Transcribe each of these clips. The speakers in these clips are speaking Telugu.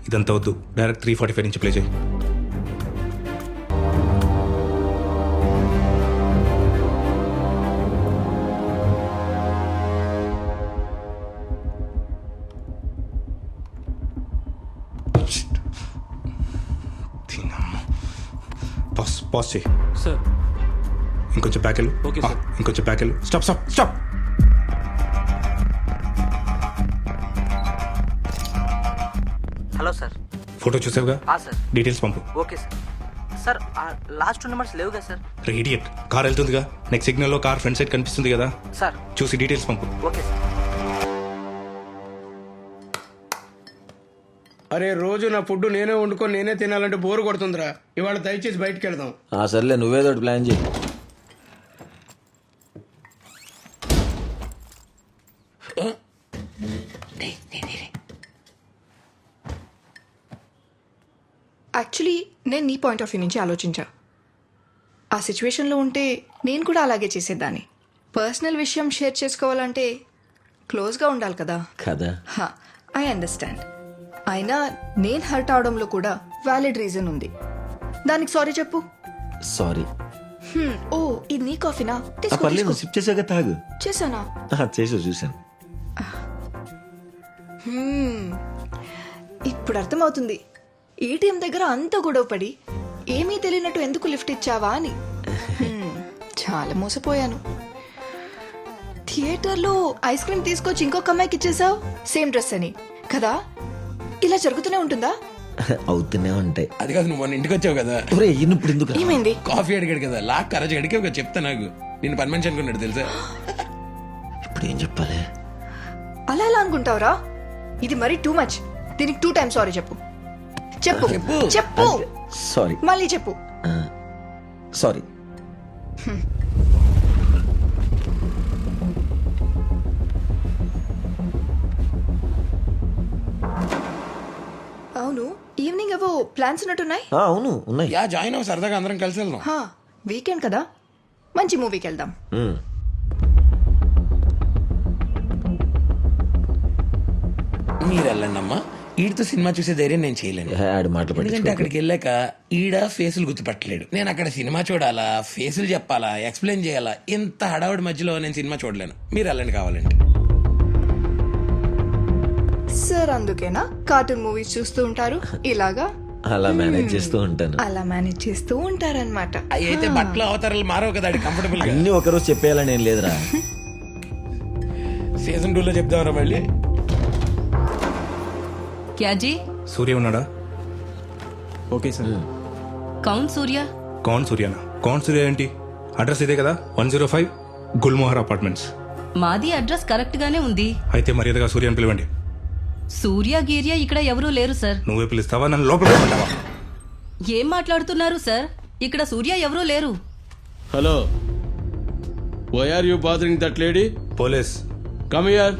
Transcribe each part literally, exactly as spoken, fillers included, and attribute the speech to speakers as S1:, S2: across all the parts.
S1: ఇదంతా వద్దు, డైరెక్ట్ త్రీ ఫార్టీ ఫైవ్ నుంచి ప్లే చేయి. పాస్ పాస్ చేయి.
S2: సార్
S1: ఇంకొంచెం బ్యాక్ వెళ్ళు.
S2: Okay sir.
S1: ఇంకొంచెం బ్యాక్ వెళ్ళు. Stop stop stop.
S3: Hello sir.
S2: Photo చూసావుగా,
S3: సార్
S2: డీటెయిల్స్ పంపు.
S3: Okay sir. Sir last two numbers లేవుగా సార్?
S2: ఇడియట్, కార్ వెళ్తుందిగా, నెక్స్ట్ సిగ్నల్ లో కార్ ఫ్రంట్ సైడ్ కనిపిస్తుంది కదా,
S3: సార్
S2: చూసి డీటెయిల్స్ పంపు.
S3: Okay sir.
S4: అరే రోజు నా ఫుడ్ నేనే వండుకొని నేనే తినాలంటే బోరు కొడుతుందిరా. ఇవాళ దయచేసి బయటికి వెళ్దాం.
S5: ఆ సర్లే, నువ్వేదో ఒకటి ప్లాన్ చేయి.
S6: యాక్చువల్లీ నేను నీ పాయింట్ ఆఫ్ వ్యూ నుంచి ఆలోచించా. ఆ సిచ్యువేషన్లో ఉంటే నేను కూడా అలాగే చేసేదాన్ని. పర్సనల్ విషయం షేర్ చేసుకోవాలంటే క్లోజ్గా ఉండాలి కదా.
S5: కదా,
S6: ఐ అండర్స్టాండ్. అయినా నేను హర్ట్ అవడంలో కూడా వ్యాలిడ్ రీజన్ ఉంది. దానికి సారీ చెప్పు.
S5: సారీ.
S6: హ్మ్, ఓ ఇది నీ కాఫీనా? తీసుకో,
S5: పర్లేదు,
S6: తీసుకో.
S5: సిప్ చేసాక తాగు.
S6: చేశానా?
S5: చేసావు, చూసాను.
S6: హ్మ్, ఇప్పుడు అర్థమవుతుంది ఏటీఎం దగ్గర అంత గొడవపడి ఏమీ తెలియనట్టు ఎందుకు లిఫ్ట్ ఇచ్చావా అని. హ్మ్, చాలా మోసపోయాను. థియేటర్లో ఐస్ క్రీమ్ తీసుకొచ్చి ఇంకొక అమ్మాయికి ఇచ్చేసావు, సేమ్ డ్రెస్ అని కదా. ఇలా జరుగుతూనే ఉంటుందా?
S5: అవుతూనే ఉంటాయి.
S4: అది కాదు, నువ్వు మొన్న ఇంటికి వచ్చావు కదా.
S5: ఒరే, ఇప్పుడు ఎందుకు?
S6: ఏమైంది?
S4: కాఫీ అడిగాడు కదా, లాక్ కరజ్ అడిగే ఒక చెప్తా. నాకు నేను పని మనిషి అనుకున్నాడు తెలుసా.
S5: ఇప్పుడు ఏం చెప్పాలి?
S6: అలా ఎలా అనుకుంటావురా? ఇది మరీ టూ మచ్. దీనికి టూ టైమ్స్ సారీ చెప్పు. చెప్పు చెప్పు.
S5: సారీ.
S6: మళ్ళీ చెప్పు.
S5: సారీ.
S6: అవును, ఈవినింగ్ ఏవో ప్లాన్స్ ఉన్నట్టున్నాయి.
S5: ఆ, అవును ఉన్నాయి.
S4: యా జాయిన్ అవ్వ, సరదాగా అందరం కలిసి వెళ్దాం.
S6: హా, వీకెండ్ కదా, మంచి మూవీకి వెళ్దాం.
S5: మ్మ్.
S4: మీరు వెళ్ళండి అమ్మా. ఈడితో సినిమా చూసే ధైర్యం నేను చేయలేను.
S5: ఏ, ఆడి మాటలు
S4: ఎందుకంటే
S5: పట్టించుకోకు.
S4: అక్కడికి వెళ్ళాక ఈడ ఫేసులు గుర్తుపట్టలేడు. నేను అక్కడ సినిమా చూడాలా, ఫేసులు చెప్పాలా, ఎక్స్ప్లెయిన్ చేయాలా, ఇంత హడావుడి మధ్యలో నేను సినిమా చూడలేను. మీరు వెళ్ళండి కావాలంటే.
S6: సార్ అందుకేనా కార్టూన్ మూవీస్ చూస్తూ ఉంటారు ఇలాగా?
S5: అలా మేనేజ్ చేస్తూ ఉంటాను.
S6: అలా మేనేజ్ చేస్తూ ఉంటారనమాట.
S4: అవి అయితే బట్టలు అవతారాలు మారవు కదా, కంఫర్టబుల్ గా.
S5: అన్ని ఒకరోజు చెప్పేయాలని ఏం లేదురా.
S4: సీజన్ టూ లో చెప్దామరా మళ్ళీ.
S7: क्या जी?
S2: సూర్య ఉన్నాడా? Okay sir.
S7: कौन सूर्या?
S2: కౌన్ సూర్యనా? కౌన్ సూర్య ఏంటి? అడ్రస్ ఇదే కదా, one zero five Gulmohar apartments.
S7: మాది అడ్రస్ కరెక్ట్ గానే ఉంది.
S2: అయితే మర్యాదగా సూర్యని పిలవండి.
S7: సూర్య గీర్య ఇక్కడ ఎవరూ లేరు సార్.
S2: నువ్వే పిలుస్తావా, నన్ను లోపల పిలవంటావా?
S7: ఏం మాట్లాడుతున్నారు సార్? ఇక్కడ సూర్య ఎవరూ లేరు.
S8: Hello, why are you bothering that lady?
S2: Police.
S8: Come here.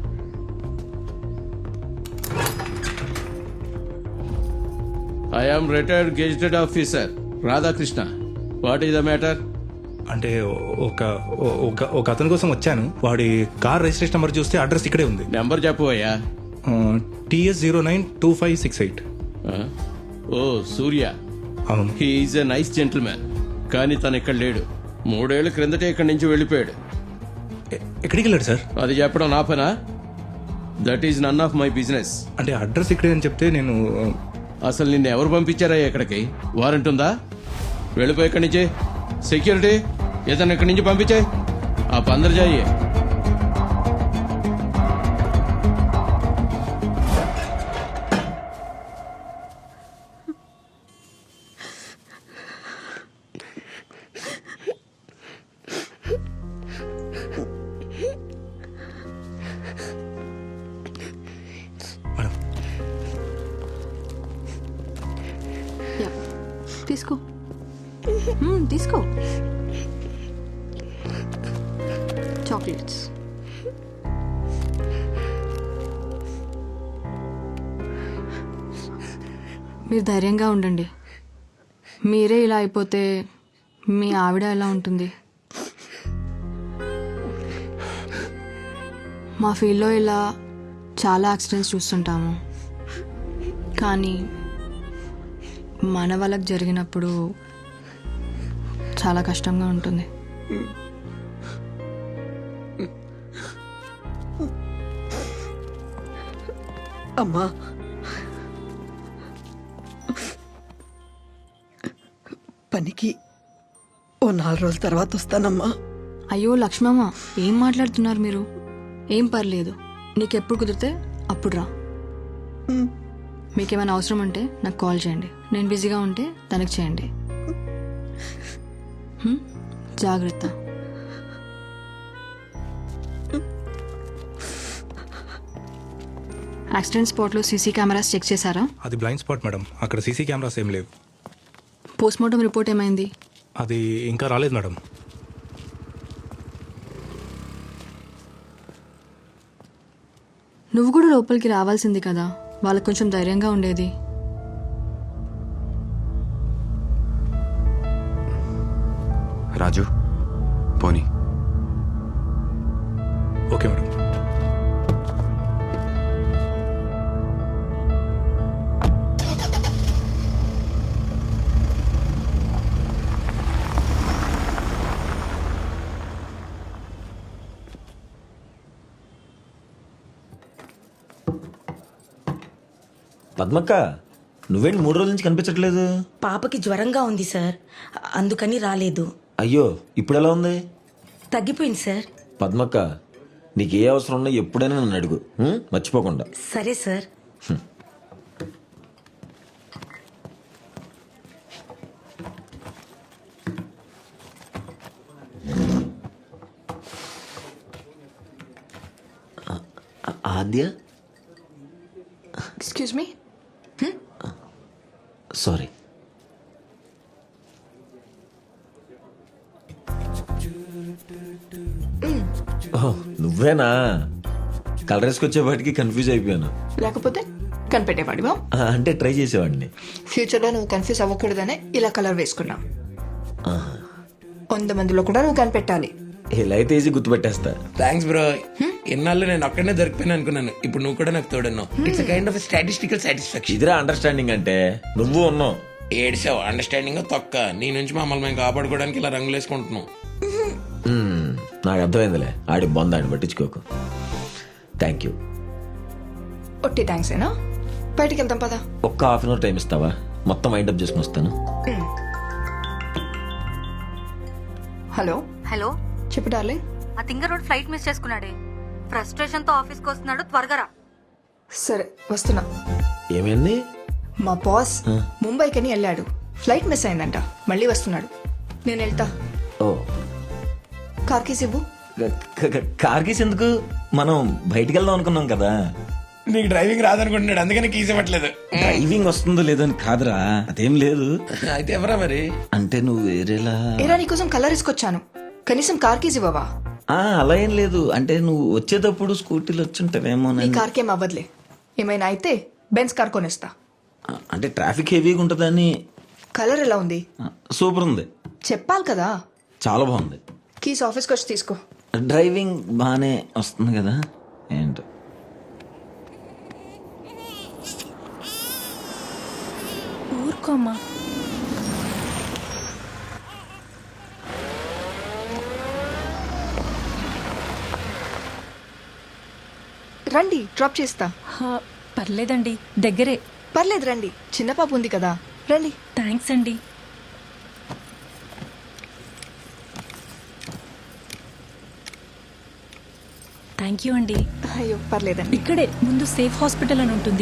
S8: I am retired gazetted officer Radhakrishna. What is the matter?
S2: అంటే ఒక ఒక ఒక అతని కోసం వచ్చాను. వాడి కార్ రిజిస్ట్రేషన్ నెంబర్ చూస్తే అడ్రస్ ఇక్కడే ఉంది.
S8: నెంబర్ చెప్పవయ్యా.
S2: TS zero nine two five six eight.
S8: ఓ సూర్య,
S2: అవును.
S8: He is a nice gentleman. కానీ తను ఇక్కడ లేడు. మూడేళ్ల క్రిందటే ఇక్కడి నుంచి వెళ్ళిపోయాడు.
S2: ఎ- ఎక్కడికి వెళ్ళాడు సార్?
S8: అది చెప్పడం నా పనా? That is none of my business.
S2: అంటే అడ్రస్ ఇక్కడే అని చెప్తే నేను
S8: అసలు నిన్ను ఎవరు పంపించారా ఇక్కడికి? వారెంట్ ఉందా? వెళ్ళిపోయి ఇక్కడి నుంచి. సెక్యూరిటీ ఏదన్నా ఇక్కడి నుంచి పంపించాయి. ఆ పందరు జాయి.
S2: మేడం,
S6: తీసుకో. మ్మ్, తీసుకో చాక్లెట్స్.
S9: మీరు ధైర్యంగా ఉండండి. మీరే ఇలా అయిపోతే మీ ఆవిడ ఎలా ఉంటుంది? మా ఫీల్డ్లో ఇలా చాలా యాక్సిడెంట్స్ చూస్తుంటాము. కానీ మన వాళ్ళకి జరిగినప్పుడు చాలా కష్టంగా ఉంటుంది.
S10: అమ్మా పనికి ఓ నాలుగు రోజుల తర్వాత వస్తానమ్మా.
S9: అయ్యో లక్ష్మమ్మ, ఏం మాట్లాడుతున్నారు మీరు? ఏం పర్లేదు, నీకెప్పుడు కుదిరితే అప్పుడు రా. మీకేమైనా అవసరం ఉంటే నాకు కాల్ చేయండి, నేను బిజీగా ఉంటే తనకి చేయండి. హ్మ్? జాగ్రత్త. యాక్సిడెంట్ స్పాట్లో సీసీ కెమెరాస్ చెక్ చేశారా?
S2: అది బ్లైండ్ స్పాట్ మేడం, అక్కడ సీసీ కెమెరాస్ ఏం లేవు.
S9: పోస్ట్మార్టం రిపోర్ట్ ఏమైంది?
S2: అది ఇంకా రాలేదు మేడం.
S9: నువ్వు కూడా లోపలికి రావాల్సింది కదా, వాళ్ళకి కొంచెం ధైర్యంగా ఉండేది.
S11: రాజు పోనీ.
S2: Okay madam.
S5: పద్మక్క, నువ్వేంటి మూడు రోజుల నుంచి కనిపించట్లేదు?
S10: పాపకి జ్వరంగా ఉంది సార్, అందుకని రాలేదు.
S5: అయ్యో, ఇప్పుడు ఎలా ఉంది?
S10: తగ్గిపోయింది సార్.
S5: పద్మక్క, నీకు ఏ అవసరం ఉన్నా ఎప్పుడైనా నన్ను అడుగు, ఉం? మర్చిపోకుండా.
S10: సరే sir.
S5: Aadya,
S6: excuse me.
S5: Sorry. Oh, నువ్వేనా? కలర్ వేసుకొచ్చేపాటికి కన్ఫ్యూజ్ అయిపోయాను.
S6: లేకపోతే కనిపెట్టేవాడివా?
S5: ఆ, అంటే ట్రై చేసేవాడిని.
S6: ఫ్యూచర్లో నువ్వు కన్ఫ్యూజ్ అవ్వకూడదనే ఇలా కలర్ వేసుకున్నా. వంద మందిలో కూడా నువ్వు కనిపెట్టాలి.
S5: ఇలా అయితే ఈజీ గుర్తుపెట్టేస్తా.
S4: Thanks bro. ఎన్నాళ్ళు నేను ఒక్కడనే దొరికిపోయినా అనుకున్నాను, ఇప్పుడు నువ్వు కూడా నాకు తోడున్నావు. It's kind of statistical satisfaction.
S5: ఇదిరా అండర్స్టాండింగ్ అంటే. నువ్వు ఉన్నావు.
S4: ఏడ్చావు అండర్స్టాండింగ్ తొక్క. నీ నుంచి మమ్మల్ని మేము కాపాడుకోవడానికి ఇలా రంగులు వేసుకుంటున్నాం.
S5: మ్మ్, నాకు అర్థమైందిలే. ఆడి బొందాన్ని పట్టించుకోకు. Thank you.
S6: ఒట్టి థ్యాంక్స్ ఏనా? బయటికి వెళ్తాం పదా.
S5: ఒక్క హాఫ్ అన్ అవర్ టైం ఇస్తావా? మొత్తం వైండప్ చేసుకుని వస్తాను.
S6: హలో
S7: హలో,
S6: చెప్పు డార్లింగ్.
S7: ఆ తింగ రోడ్ ఫ్లైట్ మిస్ చేసుకున్నాడే. ఫ్రస్ట్రేషన్ తో ఆఫీస్కి వస్తున్నాడు, త్వరగా రా.
S6: సరే వస్తున్నా.
S5: ఏమైంది?
S6: మా బాస్ ముంబైకని వెళ్ళాడు, ఫ్లైట్ మిస్ అయిందంట, మళ్ళీ వస్తున్నాడు. నేను వెళ్తా.
S5: ఓ,
S6: కార్ కీస్ ఇవ్వు.
S5: క- క- కార్ కీస్ ఎందుకు? మనం బయటికి వెళ్దాం అనుకున్నాం కదా.
S4: నీకు డ్రైవింగ్ రాదనుకుంటున్నాడు, అందుకని కీస్ ఇవ్వట్లేదు.
S5: డ్రైవింగ్ వస్తుందో లేదో అని కాదురా, అదేం లేదు.
S4: అయితే ఎవరా మరి?
S5: అంటే నువ్వు వేరేలా.
S6: ఏరా నీకోసం కలర్ ఇసుకొచ్చాను, కనీసం కార్ కీస్ ఇవ్వవా?
S5: ఆ, అలా ఏం లేదు. అంటే నువ్వు వచ్చేటప్పుడు స్కూటీలో వచ్చుంటావేమో.
S6: నీ కార్కి ఏం అవ్వదులే, ఏమైనా అయితే బెన్స్ కార్ కొనేస్తా.
S5: అంటే ట్రాఫిక్ హెవీగా ఉంటుందని.
S6: కలర్ ఎలా ఉంది?
S5: సూపర్ ఉంది.
S6: చెప్పాలి కదా.
S5: చాలా బాగుంది.
S6: కీస్ ఆఫీస్కి వచ్చి తీసుకో.
S5: డ్రైవింగ్ బాగానే వస్తుంది కదా. ఏంటో
S7: ఊరుకోమ్మా.
S6: రండి, డ్రాప్ చేస్తా.
S7: పర్లేదండి, దగ్గరే.
S6: పర్లేదు రండి, చిన్న పాప ఉంది కదా, రండి.
S7: థ్యాంక్స్ అండి. థ్యాంక్ యూ అండి.
S6: అయ్యో పర్లేదండి.
S7: ఇక్కడే ముందు సేఫ్ హాస్పిటల్ అని ఉంటుంది.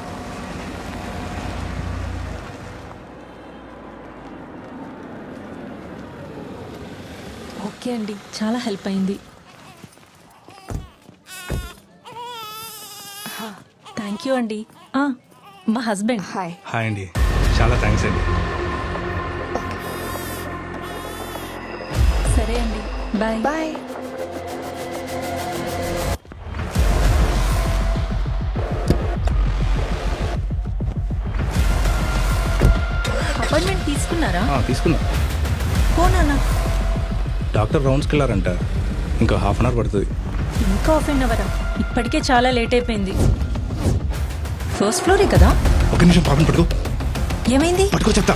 S7: ఓకే అండి, చాలా హెల్ప్ అయింది. థ్యాంక్ యూ అండి. ఆ, మా హస్బెండ్.
S6: హాయ్.
S2: హాయ్ అండి, చాలా థ్యాంక్స్ అండి.
S7: సరే అండి, బాయ్
S6: బాయ్.
S7: అపాయింట్మెంట్ తీసుకున్నారా?
S2: ఆ, తీసుకున్నా.
S7: పోనా?
S2: డాక్టర్ రౌండ్స్కి వెళ్ళారంట, ఇంకా హాఫ్ అన్ అవర్ పడుతుంది.
S7: ఇంకా హాఫ్ అన్ అవరా? ఇప్పటికే చాలా లేట్ అయిపోయింది. ఫస్ట్ ఫ్లోరే కదా.
S1: ఒక నిమిషం పాపని పట్టుకో
S10: ఏమైంది?
S1: పట్టుకో చెప్తా.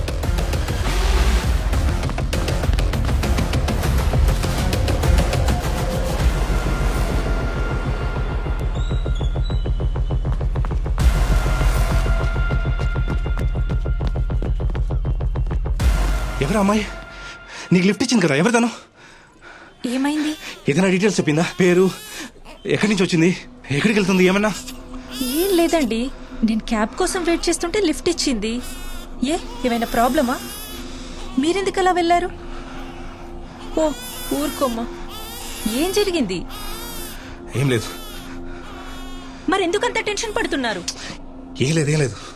S1: ఎవరు అమ్మాయి? నీకు లిఫ్ట్ ఇచ్చింది కదా, ఎవరు తను?
S10: ఏమైంది?
S1: ఏదైనా డీటెయిల్స్ చెప్పిందా? పేరు, ఎక్కడి నుంచి వచ్చింది, ఎక్కడికి వెళ్తుంది, ఏమన్నా?
S10: ఏం లేదండి, నేను క్యాబ్ కోసం వెయిట్ చేస్తుంటే లిఫ్ట్ ఇచ్చింది. ఏ ఏమైనా ప్రాబ్లమా? మీరెందుకు అలా వెళ్ళారు? ఓ ఊరుకోమ్మా, ఏం జరిగింది?
S1: ఏం లేదు.
S10: మరి ఎందుకంత టెన్షన్ పడుతున్నారు?
S1: ఏం లేదు, ఏం లేదు.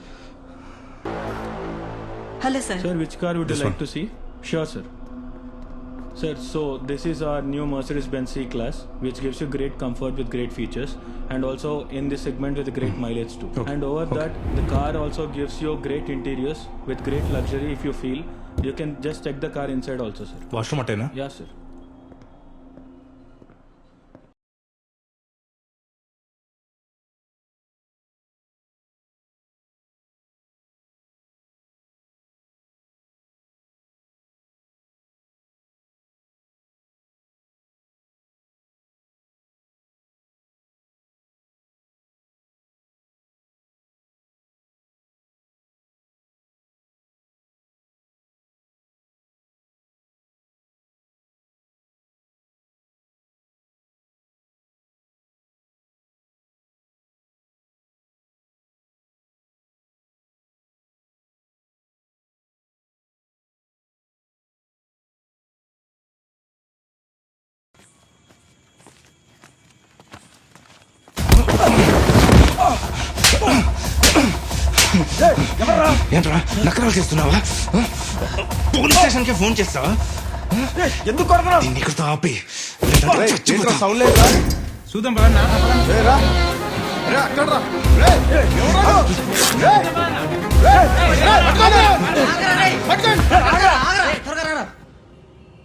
S10: Hello sir.
S2: Sir, which car would you
S1: This
S2: like
S1: one.
S2: to see? Sure, sir. Sir, so this is our new Mercedes-Benz C-Class, which gives you great comfort with great features, and also in this segment with great mileage too.
S1: Okay.
S2: And over
S1: Okay.
S2: that, the car also gives you great interiors with great luxury. If you feel, you can just check the car inside also, sir.
S1: Washroom అట్టేనా?
S2: Yeah, sir.
S1: ఏంట్రా నకరాలు చేస్తున్నావా? పోలీస్ స్టేషన్ కి ఫోన్ చేస్తావా?
S5: ఎందుకు కొడతావు?
S1: దీన్ని ఇక్కడితో ఆపి
S5: సౌండ్ లేదా?
S2: చూద్దాం బాగా.